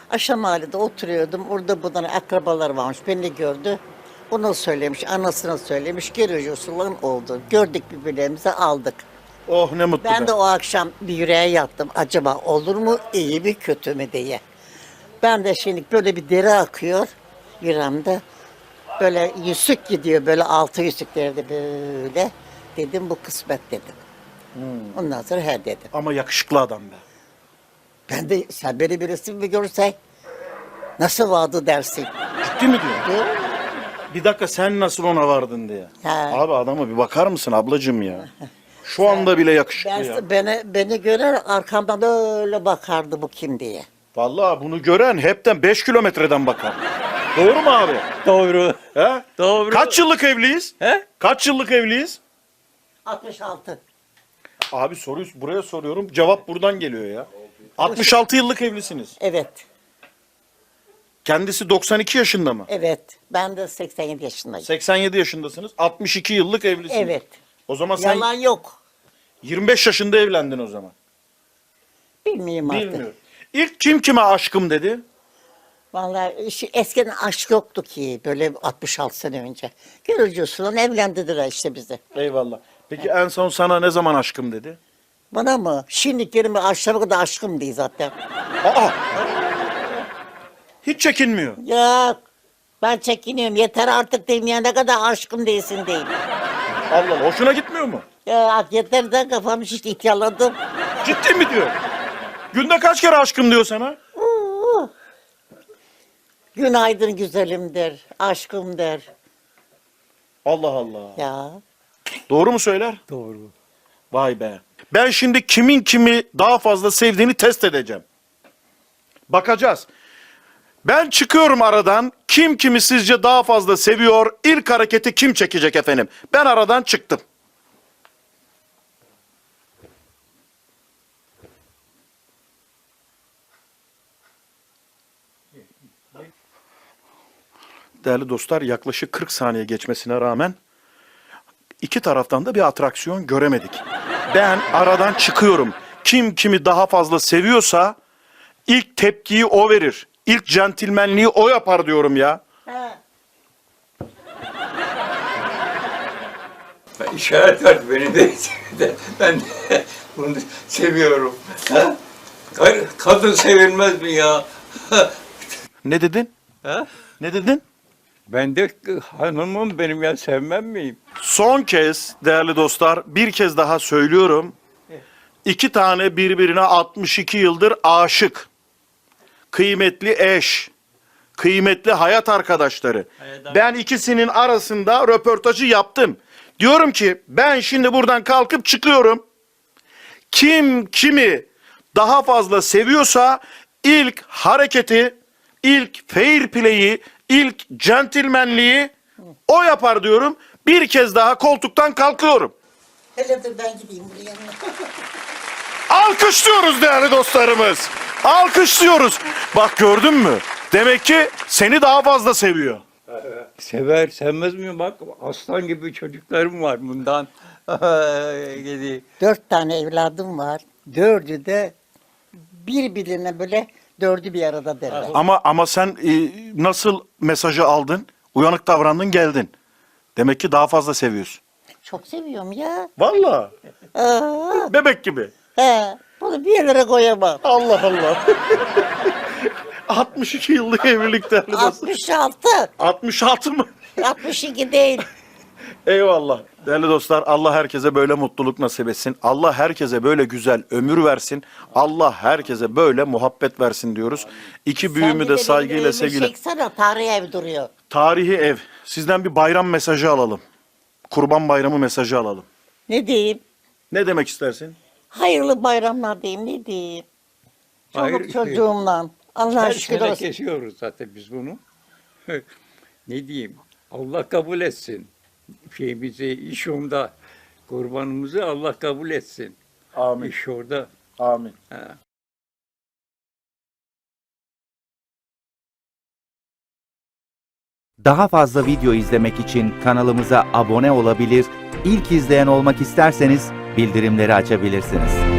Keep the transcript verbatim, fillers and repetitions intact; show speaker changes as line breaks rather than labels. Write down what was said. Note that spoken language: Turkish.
Aşağı mahallede oturuyordum. Orada bunların akrabalar varmış. Beni gördü. Ona söylemiş, anasına söylemiş. Görücü usulüm oldu. Gördük birbirlerimizi aldık.
Oh ne mutlu
Ben
be.
de o akşam bir yüreğe yattım. Acaba olur mu, iyi mi, kötü mü diye. Ben de şimdi böyle bir deri akıyor yüreğimde. Böyle yüzük gidiyor, böyle altı yüzüklerde böyle. Dedim bu kısmet dedim. Ondan sonra he dedim.
Ama yakışıklı adam be.
Ben de sen beni bir resim mi görsen nasıl vardı dersin.
Ciddi mi diyor? Bir dakika sen nasıl ona vardın diye.
Ha.
Abi adama bir bakar mısın ablacığım ya? Şu anda bile yakışıklı
Ben,
ya.
beni, beni görer arkamdan öyle bakardı bu kim diye.
Vallahi bunu gören hepten beş kilometreden bakar. Doğru mu abi?
Doğru.
He?
Doğru.
Kaç yıllık evliyiz?
He?
Kaç yıllık evliyiz?
altmış altı.
Abi soruyu buraya soruyorum. Cevap buradan geliyor ya. altmış altı yıllık evlisiniz.
Evet,
Kendisi doksan iki yaşında mı?
evet. Ben de seksen yedi yaşındayım.
seksen yedi yaşındasınız. altmış iki yıllık evlisiniz.
Evet.
O zaman sen
Yalan yok.
yirmi beş yaşında evlendin o zaman.
Bilmiyorum artık.
Bilmiyorum. İlk kim kime aşkım dedi?
Vallahi şu eskiden aşk yoktu ki böyle altmış altı sene önce. Görücü usulü evlendirdiler işte bizi.
Eyvallah. Peki en son sana ne zaman aşkım dedi?
Bana mı? Şimdi kelime aşağı kadar aşkım değil zaten.
Aa! Hiç çekinmiyor.
Yok. Ben çekiniyorum. Yeter artık diyeyim ya ne kadar aşkım değilsin diyeyim.
Allah Allah. Hoşuna gitmiyor mu?
Ya yeter de kafam şişti ihtiyarladım.
Ciddi mi diyor? Günde kaç kere aşkım diyor sana?
Oo. Günaydın güzelim der. Aşkım der.
Allah Allah.
Ya.
Doğru mu söyler?
Doğru.
Vay be. Ben şimdi kimin kimi daha fazla sevdiğini test edeceğim. Bakacağız. Ben çıkıyorum aradan. Kim kimi sizce daha fazla seviyor? İlk hareketi kim çekecek efendim? Ben aradan çıktım. Değerli dostlar, yaklaşık kırk saniye geçmesine rağmen iki taraftan da bir atraksiyon göremedik. Ben aradan çıkıyorum. Kim kimi daha fazla seviyorsa ilk tepkiyi o verir. İlk centilmenliği o yapar diyorum ya.
Ha.
Ben işaret verdi beni de. Ben de bunu seviyorum. Ha? Hayır, kadın sevilmez mi ya?
Ne dedin?
Ha?
Ne dedin?
Ben de hanımım benim ya sevmem miyim?
Son kez değerli dostlar bir kez daha söylüyorum. İki tane birbirine altmış iki yıldır aşık. Kıymetli eş. Kıymetli hayat arkadaşları. Ben ikisinin arasında röportajı yaptım. Diyorum ki ben şimdi buradan kalkıp çıkıyorum. Kim kimi daha fazla seviyorsa ilk hareketi, ilk fair play'i, ilk centilmenliği o yapar diyorum. Bir kez daha koltuktan kalkıyorum.
Hele dur ben gideyim buraya.
Alkışlıyoruz değerli dostlarımız. Alkışlıyoruz. Bak gördün mü? Demek ki seni daha fazla seviyor.
Sever, sevmez mi? Bak aslan gibi çocuklarım var bundan. Gidi.
Dört tane evladım var. Dördü de birbirine böyle dördü bir arada derler.
Ama ama sen e, nasıl mesajı aldın? Uyanık davrandın geldin. Demek ki daha fazla seviyorsun.
Çok seviyorum ya.
Vallahi.
Aa,
Bebek gibi.
he, bunu bir yerlere koyamam.
Allah Allah. altmış iki yıllık evlilik değerli dostlar.
altmış altı.
altmış altı mı?
altmış iki değil.
Eyvallah. Değerli dostlar Allah herkese böyle mutluluk nasip etsin. Allah herkese böyle güzel ömür versin. Allah herkese böyle muhabbet versin diyoruz. İki büyüğümü de saygıyla sevgiyle.
Çeksene tarihi ev duruyor.
Tarihi ev. Sizden bir bayram mesajı alalım. Kurban bayramı mesajı alalım.
Ne diyeyim?
Ne demek istersin?
Hayırlı bayramlar diyeyim ne diyeyim? Çoluk
Hayır,
çocuğumla. Allah'a
Her
şükür
sene
olsun.
kesiyoruz zaten biz bunu. Ne diyeyim? Allah kabul etsin. Şeyimizi, iş onda. Kurbanımızı Allah kabul etsin.
Amin.
İş orada.
Amin.
Ha.
Daha fazla video izlemek için kanalımıza abone olabilir, ilk izleyen olmak isterseniz bildirimleri açabilirsiniz.